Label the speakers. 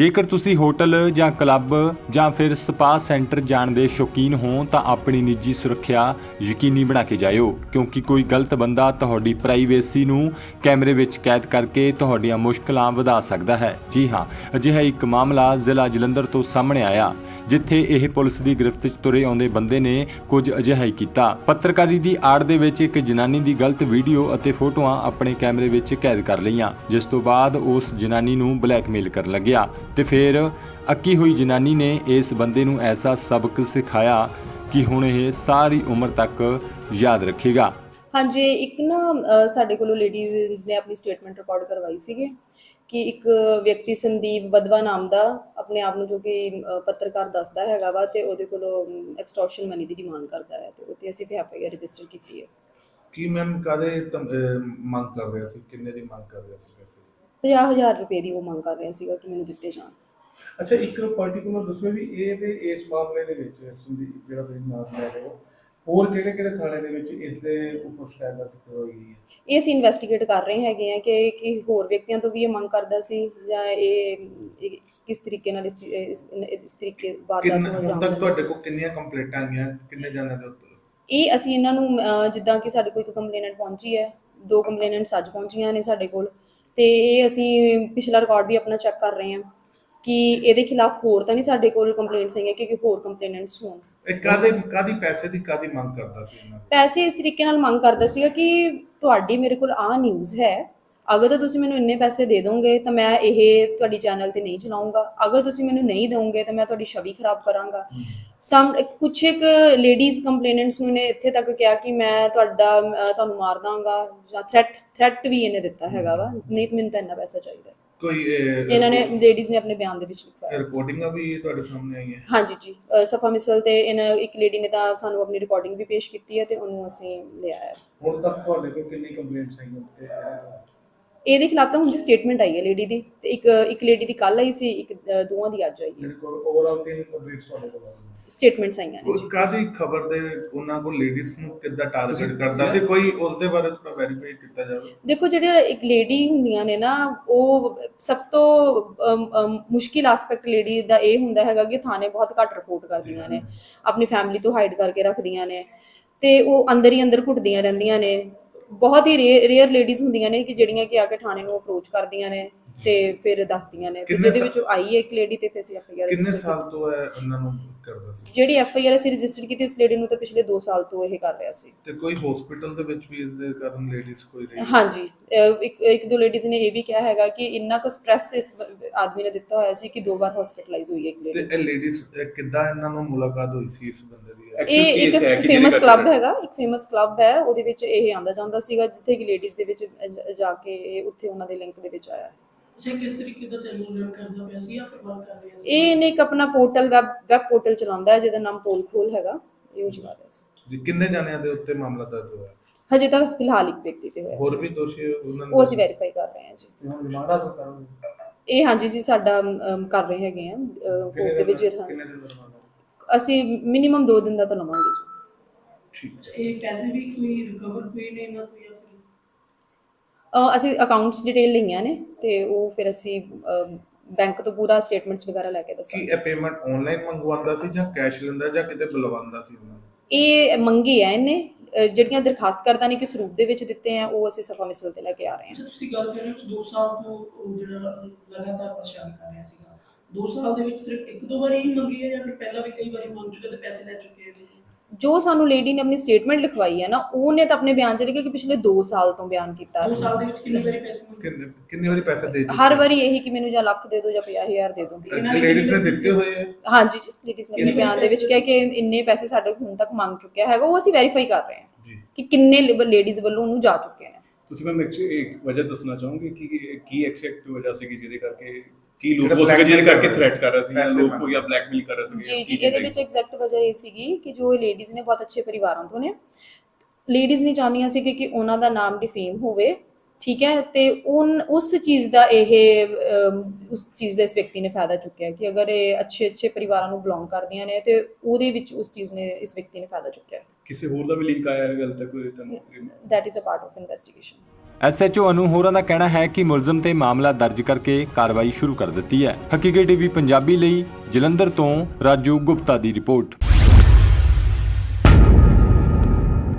Speaker 1: ਜੇਕਰ ਤੁਸੀਂ ਹੋਟਲ ਜਾਂ ਕਲੱਬ ਜਾਂ ਫਿਰ ਸਪਾ ਸੈਂਟਰ ਜਾਣ ਦੇ ਸ਼ੌਕੀਨ ਹੋ ਤਾਂ ਆਪਣੀ ਨਿੱਜੀ ਸੁਰੱਖਿਆ ਯਕੀਨੀ ਬਣਾ ਕੇ ਜਾਇਓ, ਕਿਉਂਕਿ ਕੋਈ ਗਲਤ ਬੰਦਾ ਤੁਹਾਡੀ ਪ੍ਰਾਈਵੇਸੀ ਨੂੰ ਕੈਮਰੇ ਵਿੱਚ ਕੈਦ ਕਰਕੇ ਤੁਹਾਡੀਆਂ ਮੁਸ਼ਕਲਾਂ ਵਧਾ ਸਕਦਾ ਹੈ। ਜੀ ਹਾਂ, ਅਜਿਹਾ ਇੱਕ ਮਾਮਲਾ ਜ਼ਿਲ੍ਹਾ ਜਲੰਧਰ ਤੋਂ ਸਾਹਮਣੇ ਆਇਆ, ਜਿੱਥੇ ਇਹ ਪੁਲਿਸ ਦੀ ਗ੍ਰਿਫਤ 'ਚ ਤੁਰੇ ਆਉਂਦੇ ਬੰਦੇ ਨੇ ਕੁਝ ਅਜਿਹਾ ਹੀ ਕੀਤਾ। ਪੱਤਰਕਾਰੀ ਦੀ ਆੜ ਦੇ ਵਿੱਚ ਇੱਕ ਜਨਾਨੀ ਦੀ ਗਲਤ ਵੀਡੀਓ ਅਤੇ ਫੋਟੋਆਂ ਆਪਣੇ ਕੈਮਰੇ ਵਿੱਚ ਕੈਦ ਕਰ ਲਈਆਂ, ਜਿਸ ਤੋਂ ਬਾਅਦ ਉਸ ਜਨਾਨੀ ਨੂੰ ਬਲੈਕਮੇਲ ਕਰਨ ਲੱਗਿਆ ਤੇ ਫਿਰ ਅੱਕੀ ਹੋਈ ਜਨਾਨੀ ਨੇ ਇਸ ਬੰਦੇ ਨੂੰ ਐਸਾ ਸਬਕ ਸਿਖਾਇਆ ਕਿ ਹੁਣ ਇਹ ਸਾਰੀ ਉਮਰ ਤੱਕ ਯਾਦ ਰੱਖੇਗਾ।
Speaker 2: ਹਾਂਜੀ, ਇੱਕ ਸਾਡੇ ਕੋਲੋਂ ਲੇਡੀਜ਼ ਨੇ ਆਪਣੀ ਸਟੇਟਮੈਂਟ ਰਿਕਾਰਡ ਕਰਵਾਈ ਸੀਗੀ ਕਿ ਇੱਕ ਵਿਅਕਤੀ ਸੰਦੀਪ ਬਦਵਾ ਨਾਮ ਦਾ ਆਪਣੇ ਆਪ ਨੂੰ, ਜੋ ਕਿ ਪੱਤਰਕਾਰ ਦੱਸਦਾ ਹੈਗਾ ਵਾ, ਤੇ ਉਹਦੇ ਕੋਲੋਂ ਐਕਸਟੋਰਸ਼ਨ ਮਨੀ ਦੀ ਡਿਮਾਂਡ ਕਰਦਾ ਹੈ, ਤੇ ਉੱਤੇ ਅਸੀਂ FIR ਰਜਿਸਟਰ ਕੀਤੀ ਹੈ।
Speaker 3: ਕੀ ਮੈਮ ਕਾਦੇ ਮੰਗ ਕਰ ਰਿਹਾ ਸੀ, ਕਿੰਨੇ ਦੀ ਮੰਗ ਕਰ ਰਿਹਾ ਸੀ? ਪੈਸੇ
Speaker 2: 50,000 ਰੁਪਏ ਦੀ ਉਹ ਮੰਗ ਕਰ ਰਿਹਾ ਸੀਗਾ ਕਿ ਮੈਨੂੰ ਦਿੱਤੇ ਜਾਣ।
Speaker 4: ਅੱਛਾ, ਇੱਕ ਪਾਰਟਿਕੂਲਰ ਦੱਸੋ ਵੀ ਇਹ ਤੇ ਇਸ ਮਾਮਲੇ ਦੇ ਵਿੱਚ ਸੰਦੀਪ ਜਿਹੜਾ ਤੁਸੀਂ ਨਾਮ ਲੈ ਰਹੇ ਹੋ, ਹੋਰ ਕਿਹੜੇ ਥਾਣੇ ਦੇ ਵਿੱਚ ਇਸ ਦੇ ਉੱਪਰ ਸ਼ਿਕਾਇਤ ਦਰਜ ਹੋਈ ਹੈ?
Speaker 2: ਇਹ ਅਸੀਂ ਇਨਵੈਸਟੀਗੇਟ ਕਰ ਰਹੇ ਹੈਗੇ ਆ ਕਿ ਹੋਰ ਵਿਅਕਤੀਆਂ ਤੋਂ ਵੀ ਇਹ ਮੰਗ ਕਰਦਾ ਸੀ ਜਾਂ ਇਹ ਕਿਸ ਤਰੀਕੇ ਨਾਲ ਇਸ ਤਰੀਕੇ ਵਾਰਦਾਤ ਨੂੰ ਅੰਜਾਮ ਦਿੰਦਾ ਸੀ।
Speaker 3: ਤੁਹਾਡੇ ਕੋਲ ਕਿੰਨੀਆਂ ਕੰਪਲੇਂਟਾਂ ਆਈਆਂ, ਕਿੰਨੇ ਜਾਣਿਆਂ ਦੇ ਉੱਤੇ?
Speaker 2: ਇਹ ਅਸੀਂ ਇਹਨਾਂ ਨੂੰ ਜਿੱਦਾਂ ਕਿ ਸਾਡੇ ਕੋਲ ਇੱਕ ਕੰਪਲੇਨੈਂਟ ਪਹੁੰਚੀ ਹੈ, 2 ਕੰਪਲੇਨੈਂਟਸ ਅੱਜ ਪਹੁੰਚੀਆਂ ਨੇ ਸਾਡੇ ਕੋਲ, ਤੇ ਇਹ ਅਸੀਂ ਪਿਛਲਾ ਰਿਕਾਰਡ ਵੀ ਆਪਣਾ ਚੈੱਕ ਕਰ ਰਹੇ ਹਾਂ ਕਿ ਇਹਦੇ ਖਿਲਾਫ ਹੋਰ ਤਾਂ ਨਹੀਂ ਸਾਡੇ ਕੋਲ ਕੰਪਲੇਂਟਸ ਆਈਆਂ ਕਿ ਹੋਰ ਕੰਪਲੇਨੈਂਟਸ ਹੋਣ।
Speaker 3: ਇਹ ਕਾਦੀ ਪੈਸੇ ਦੀ ਕਾਦੀ ਮੰਗ ਕਰਦਾ ਸੀ?
Speaker 2: ਪੈਸੇ ਇਸ ਤਰੀਕੇ ਨਾਲ ਮੰਗ ਕਰਦਾ ਸੀਗਾ ਕਿ ਤੁਹਾਡੀ ਮੇਰੇ ਕੋਲ ਆਹ ਨਿਊਜ਼ ਹੈ, ਅਗਰ ਤਾਂ ਤੁਸੀਂ ਮੈਨੂੰ ਇੰਨੇ ਪੈਸੇ ਦੇ ਦੋਗੇ ਤਾਂ ਮੈਂ ਇਹ ਤੁਹਾਡੀ ਚੈਨਲ ਤੇ ਨਹੀਂ ਚਲਾਉਂਗਾ, ਅਗਰ ਤੁਸੀਂ ਮੈਨੂੰ ਨਹੀਂ ਦੋਗੇ ਤਾਂ ਮੈਂ ਤੁਹਾਡੀ ਛਵੀ ਖਰਾਬ ਕਰਾਂਗਾ। ਕੁਛ ਇੱਕ ਲੇਡੀਜ਼ ਕੰਪਲੇਨੈਂਟਸ ਨੂੰ ਨੇ ਇੱਥੇ ਤੱਕ ਕਿਹਾ ਕਿ ਮੈਂ ਤੁਹਾਨੂੰ ਮਾਰ ਦਾਂਗਾ, ਜਾਂ ਥ੍ਰੈਟ ਵੀ ਇਹਨੇ ਦਿੱਤਾ ਹੈਗਾ ਵਾ, ਨਹੀਂ ਤਾਂ ਮੈਨੂੰ ਤਾਂ ਇੰਨਾ ਪੈਸਾ ਚਾਹੀਦਾ।
Speaker 3: ਕੋਈ
Speaker 2: ਇਹਨਾਂ ਨੇ ਲੇਡੀਜ਼ ਨੇ ਆਪਣੇ ਬਿਆਨ ਦੇ ਵਿੱਚ ਲਿਖਵਾਇਆ।
Speaker 3: ਰਿਕਾਰਡਿੰਗਾਂ ਵੀ ਤੁਹਾਡੇ ਸਾਹਮਣੇ ਆਈਆਂ?
Speaker 2: ਹਾਂਜੀ ਜੀ, ਸਫਾ ਮਿਸਲ ਤੇ ਇੱਕ ਲੇਡੀ ਨੇ ਤਾਂ ਸਾਨੂੰ ਆਪਣੀ ਰਿਕਾਰਡਿੰਗ ਵੀ ਪੇਸ਼ ਕੀਤੀ ਹੈ ਤੇ ਉਹਨੂੰ ਅਸੀਂ ਲਿਆ ਹੈ।
Speaker 4: ਹੁਣ ਤੱਕ ਤੁਹਾਡੇ ਕੋਲ ਕਿੰਨੀ ਕੰਪਲੇਂਟਸ ਆਈਆਂ?
Speaker 2: ਇਹਦੇ ਖਿਲਾਫ ਤਾਂ ਹੁਣ ਜੀ ਸਟੇਟਮੈਂਟ ਆਈ ਹੈ ਲੇਡੀ ਦੀ, ਤੇ ਇੱਕ ਲੇਡੀ ਦੀ ਕੱਲ ਆਈ ਸੀ, ਇੱਕ ਦੋਵਾਂ ਦੀ ਅੱਜ ਆਈ ਹੈ।
Speaker 4: ਮੇਰੇ ਕੋਲ ਓਵਰਆਲ 3 ਕੰਪਲੇਂਟਸ ਤੁਹਾਡੇ ਕੋਲ ਆਈਆਂ,
Speaker 2: ਸਟੇਟਮੈਂਟਸ ਆਈਆਂ ਨੇ ਜੀ।
Speaker 3: ਕਾਦੀ ਖਬਰ ਦੇ ਉਹਨਾਂ ਕੋਲ ਲੇਡੀਜ਼ ਨੂੰ ਕਿੱਦਾਂ ਟਾਰਗੇਟ ਕਰਦਾ ਸੀ, ਕੋਈ ਉਸ ਦੇ ਬਾਰੇ ਥੋੜਾ ਵੈਰੀਫਾਈ ਕੀਤਾ ਜਾਵੇ।
Speaker 2: ਦੇਖੋ, ਜਿਹੜੇ ਇੱਕ ਲੇਡੀ ਹੁੰਦੀਆਂ ਨੇ ਨਾ, ਉਹ ਸਭ ਤੋਂ ਮੁਸ਼ਕਿਲ ਐਸਪੈਕਟ ਲੇਡੀ ਦਾ ਇਹ ਹੁੰਦਾ ਹੈਗਾ ਕਿ ਥਾਣੇ ਬਹੁਤ ਘੱਟ ਰਿਪੋਰਟ ਕਰਦੀਆਂ ਨੇ, ਆਪਣੀ ਫੈਮਿਲੀ ਤੋਂ ਹਾਈਡ ਕਰਕੇ ਰੱਖਦੀਆਂ ਨੇ, ਤੇ ਉਹ ਅੰਦਰ ਹੀ ਅੰਦਰ ਘੁੱਟਦੀਆਂ ਰਹਿੰਦੀਆਂ ਨੇ। ਬਹੁਤ ਹੀ ਰੇਅਰ ਲੇਡੀਜ਼ ਹੁੰਦੀਆਂ ਨੇ ਕਿ ਜਿਹੜੀਆਂ ਕਿ ਆ ਕੇ ਥਾਣੇ ਨੂੰ ਅਪਰੋਚ ਕਰਦੀਆਂ ਨੇ ਤੇ ਫਿਰ ਦੱਸਦੀਆਂ ਨੇ, ਜਿਹਦੇ ਵਿੱਚ ਆਈ ਹੈ ਇੱਕ ਲੇਡੀ, ਤੇ ਫਿਰ ਅਸੀਂ FIR
Speaker 3: ਕਿੰਨੇ ਸਾਲ ਤੋਂ ਹੈ ਉਹਨਾਂ ਨੂੰ ਕਰਦਾ ਸੀ?
Speaker 2: ਜਿਹੜੀ FIR ਅਸੀਂ ਰਜਿਸਟਰ ਕੀਤੀ ਇਸ ਲੇਡੀ ਨੂੰ ਤਾਂ ਪਿਛਲੇ 2 ਸਾਲ ਤੋਂ ਇਹ ਕਰ ਰਿਹਾ ਸੀ।
Speaker 3: ਤੇ ਕੋਈ ਹਸਪੀਟਲ ਦੇ ਵਿੱਚ ਵੀ ਇਸ ਦੇ ਕਾਰਨ ਲੇਡੀਜ਼ ਕੋਈ ਰਹੀ?
Speaker 2: ਹਾਂਜੀ, ਇੱਕ ਦੋ ਲੇਡੀਜ਼ ਨੇ ਇਹ ਵੀ ਕਿਹਾ ਹੈਗਾ ਕਿ ਇੰਨਾ ਕੁ ਸਟ੍ਰੈਸ ਇਸ ਆਦਮੀ ਨੇ ਦਿੱਤਾ ਹੋਇਆ ਸੀ ਕਿ 2 ਵਾਰ ਹਸਪੀਟਲਾਈਜ਼ ਹੋਈ ਹੈ ਇੱਕ ਲੇਡੀ।
Speaker 3: ਤੇ ਇਹ ਲੇਡੀਜ਼ ਕਿੱਦਾਂ ਇਹਨਾਂ ਨੂੰ ਮੁਲਾਕਾਤ ਹੋਈ ਸੀ ਇਸ ਬੰਦੇ ਦੀ?
Speaker 2: ਇਹ ਇੱਕ ਫੇਮਸ ਕਲੱਬ ਹੈਗਾ, ਇੱਕ ਫੇਮਸ ਕਲੱਬ ਹੈ, ਉਹਦੇ ਵਿੱਚ ਇਹ ਆਂਦਾ ਜਾਂਦਾ ਸੀਗਾ, ਜਿੱਥੇ ਕਿ ਲੇਡੀਜ਼ ਦੇ ਵਿੱਚ ਜਾ ਕੇ ਉੱਥੇ ਉਹਨਾਂ ਦੇ ਲਿੰਕ ਦੇ ਵਿੱਚ ਆਇਆ।
Speaker 5: ਅੱਛਾ, ਕਿਸ ਤਰੀਕੇ ਦਾ ਚੈਨਲ ਰਨ ਕਰਦਾ ਪਿਆ ਸੀ ਜਾਂ ਫਿਰ ਵਰਕ ਕਰ ਰਿਹਾ ਸੀ?
Speaker 2: ਇਹਨੇ ਇੱਕ ਆਪਣਾ ਪੋਰਟਲ ਵੈਬ ਪੋਰਟਲ ਚਲਾਉਂਦਾ ਹੈ ਜਿਹਦਾ ਨਾਮ ਪੋਲ ਖੋਲ ਹੈਗਾ, ਇਹ ਚਲਾ ਰਿਹਾ ਸੀ।
Speaker 3: ਕਿੰਨੇ ਜਾਣਿਆਂ ਦੇ ਉੱਤੇ ਮਾਮਲਾ ਦਰਜ ਹੋਇਆ?
Speaker 2: ਹਜੇ ਤਾਂ ਫਿਲਹਾਲ ਇੱਕ ਵਿਅਕਤੀ ਤੇ ਹੋਇਆ,
Speaker 3: ਹੋਰ ਵੀ ਦੋਸ਼ੀ ਉਹਨਾਂ
Speaker 2: ਉਹ ਅਸੀਂ ਵੈਰੀਫਾਈ ਕਰ ਰਹੇ ਹਾਂ ਜੀ।
Speaker 4: ਤੇ ਹੁਣ ਰਿਮਾਂਡ ਹਾਸਲ ਕਰੋਗੇ?
Speaker 2: ਇਹ ਹਾਂਜੀ ਜੀ, ਸਾਡਾ ਕਰ ਰਹੇ ਹੈਗੇ ਆ ਕੋਰਟ ਦੇ ਵਿੱਚ।
Speaker 4: ਕਿੰਨੇ ਦਿਨ ਦਾ ਰਿਮਾਂਡ?
Speaker 2: ਅਸੀਂ ਮਿਨੀਮਮ 2 ਦਿਨ ਦਾ ਤਾਂ ਲਵਾਂਗੇ ਜੀ।
Speaker 5: ਅੱਛਾ, ਇਹ ਪੈਸੇ ਵੀ ਕੋਈ ਰਿਕਵਰ ਹੋਏ ਨੇ ਇਹਨਾਂ ਤੋਂ ਜਾਂ ਫਿਰ?
Speaker 2: ਅਸੀਂ ਅਕਾਊਂਟਸ ਡਿਟੇਲ ਲਈਆਂ ਨੇ ਤੇ ਉਹ ਫਿਰ ਅਸੀਂ ਬੈਂਕ ਤੋਂ ਪੂਰਾ ਸਟੇਟਮੈਂਟਸ ਵਗੈਰਾ ਲੈ ਕੇ
Speaker 3: ਕੀ
Speaker 2: ਦੱਸਾਂਗੇ।
Speaker 3: ਇਹ ਪੇਮੈਂਟ ਆਨਲਾਈਨ ਮੰਗਵਾਉਂਦਾ ਸੀ ਜਾਂ ਕੈਸ਼ ਲੈਂਦਾ ਜਾਂ ਕਿਤੇ ਬੁਲਵਾਉਂਦਾ ਸੀ ਉਹਨਾਂ ਨੂੰ?
Speaker 2: ਇਹ ਮੰਗੀ ਹੈ ਇਹਨੇ, ਜਿਹੜੀਆਂ ਦਰਖਾਸਤ ਕਰਦਾ ਨੇ ਕਿਸ ਰੂਪ ਦੇ ਵਿੱਚ ਦਿੱਤੇ ਆ, ਉਹ ਅਸੀਂ ਸਫਾ ਮਿਸਲ ਤੇ ਲੈ ਕੇ ਆ ਰਹੇ ਹਾਂ।
Speaker 5: ਅੱਛਾ, ਤੁਸੀਂ ਗੱਲ ਕਰ ਰਹੇ ਹੋ ਕਿ 2 ਸਾਲ ਤੋਂ ਉਹ ਜਿਹੜਾ ਲਗਾਤਾਰ ਪਰੇਸ਼ਾਨ ਕਰ ਰਿਹਾ ਸੀਗਾ, 2 ਸਾਲ ਦੇ ਵਿੱਚ ਸਿਰਫ 1-2 ਵਾਰੀ ਹੀ ਮੰਗੀ ਹੈ ਜਾਂ ਫਿਰ ਪਹਿਲਾਂ ਵੀ ਕਈ ਵਾਰੀ ਮੰਗ ਚੁੱਕੇ ਤੇ ਪੈਸੇ ਲੈ ਚੁੱਕੇ ਹੈ?
Speaker 2: ਜੋ ਸਾਨੂੰ ਲੇਡੀ ਨੇ ਆਪਣੀ ਸਟੇਟਮੈਂਟ ਲਿਖਵਾਈ ਹੈ ਨਾ, ਉਹਨੇ ਤਾਂ ਆਪਣੇ ਬਿਆਨ 'ਚ ਲਿਖਿਆ ਕਿ ਪਿਛਲੇ 2 ਸਾਲ ਤੋਂ ਬਿਆਨ ਕੀਤਾ।
Speaker 5: 2 ਸਾਲ ਦੇ ਵਿੱਚ ਕਿੰਨੀ ਵਾਰੀ ਪੈਸੇ ਮੰਗੇ?
Speaker 3: ਕਿੰਨੀ ਵਾਰੀ ਪੈਸੇ ਦੇ ਚੁੱਕੇ?
Speaker 2: ਹਰ ਵਾਰੀ ਇਹੀ ਕਿ ਮੈਨੂੰ ਜਾਂ ਲੱਖ ਦੇ ਦਿਓ ਜਾਂ 50,000 ਦੇ ਦਿਓ।
Speaker 3: ਲੇਡੀਜ਼ ਨੇ ਦਿੱਤੇ ਹੋਏ ਆ?
Speaker 2: ਹਾਂਜੀ ਜੀ, ਲੇਡੀਜ਼ ਨੇ ਆਪਣੇ ਬਿਆਨ ਦੇ ਵਿੱਚ ਕਿਹਾ ਕਿ ਇੰਨੇ ਪੈਸੇ ਸਾਡੇ ਹੁਣ ਤੱਕ ਮੰਗ ਚੁੱਕਿਆ ਹੈਗਾ, ਉਹ ਅਸੀਂ ਵੈਰੀਫਾਈ ਕਰ ਰਹੇ ਹਾਂ ਕਿ ਕਿੰਨੇ ਲੇਡੀਜ਼ ਵੱਲੋਂ ਉਹਨੂੰ ਜਾ ਚੁੱਕੇ ਨੇ।
Speaker 6: ਤੁਸੀਂ ਮੈਮ ਇੱਕ ਵਜ੍ਹਾ ਦੱਸਣਾ ਚਾਹੋਗੇ ਕਿ ਕੀ ਐਗਜ਼ੈਕਟ ਵਜ੍ਹਾ ਸੀਗੀ ਜਿਹਦੇ ਕਰਕੇ, ਕੀ ਲੋਕ ਹੋ ਸਕੇ ਜਿਹਦੇ ਕਰਕੇ ਥ੍ਰੈਟ ਕਰ ਰਿਹਾ ਸੀ ਜਾਂ ਲੋਕ ਕੋਈ ਬਲੈਕਮੇਲ ਕਰ ਰਿਹਾ ਸੀ?
Speaker 2: ਜੀ, ਇਹਦੇ ਵਿੱਚ ਐਗਜ਼ੈਕਟ ਵਜ੍ਹਾ ਇਹ ਸੀਗੀ ਕਿ ਜੋ ਲੇਡੀਜ਼ ਨੇ ਬਹੁਤ ਅੱਛੇ ਪਰਿਵਾਰਾਂ ਤੋਂ ਨੇ, ਲੇਡੀਜ਼ ਨਹੀਂ ਚਾਹੁੰਦੀਆਂ ਸੀ ਕਿ ਉਹਨਾਂ ਦਾ ਨਾਮ ਡਿਫੇਮ ਹੋਵੇ, ਠੀਕ ਹੈ, ਤੇ ਉਸ ਚੀਜ਼ ਦਾ ਇਸ ਵਿਅਕਤੀ ਨੇ ਫਾਇਦਾ ਚੁੱਕਿਆ ਕਿ ਅਗਰ ਇਹ ਅੱਛੇ ਪਰਿਵਾਰਾਂ ਨੂੰ ਬਿਲੋਂਗ ਕਰਦੀਆਂ ਨੇ ਤੇ ਉਹਦੇ ਵਿੱਚ ਉਸ ਚੀਜ਼ ਨੇ ਇਸ ਵਿਅਕਤੀ ਨੇ ਫਾਇਦਾ ਚੁੱਕਿਆ।
Speaker 6: ਕਿਸੇ ਹੋਰ ਦਾ ਵੀ ਲਿੰਕ ਆਇਆ ਹੈ ਗੱਲ ਤੱਕ?
Speaker 2: That is a part of investigation.
Speaker 1: SHO Anu ਹੋਰਾਂ ਦਾ ਕਹਿਣਾ ਹੈ ਕਿ ਮੁਲਜ਼ਮ ਤੇ ਮਾਮਲਾ ਦਰਜ ਕਰਕੇ ਕਾਰਵਾਈ ਸ਼ੁਰੂ ਕਰ ਦਿੱਤੀ ਹੈ। ਹਕੀਕਤ ਟੀਵੀ ਪੰਜਾਬੀ ਲਈ ਜਲੰਧਰ ਤੋਂ ਰਾਜੂ ਗੁਪਤਾ ਦੀ ਰਿਪੋਰਟ।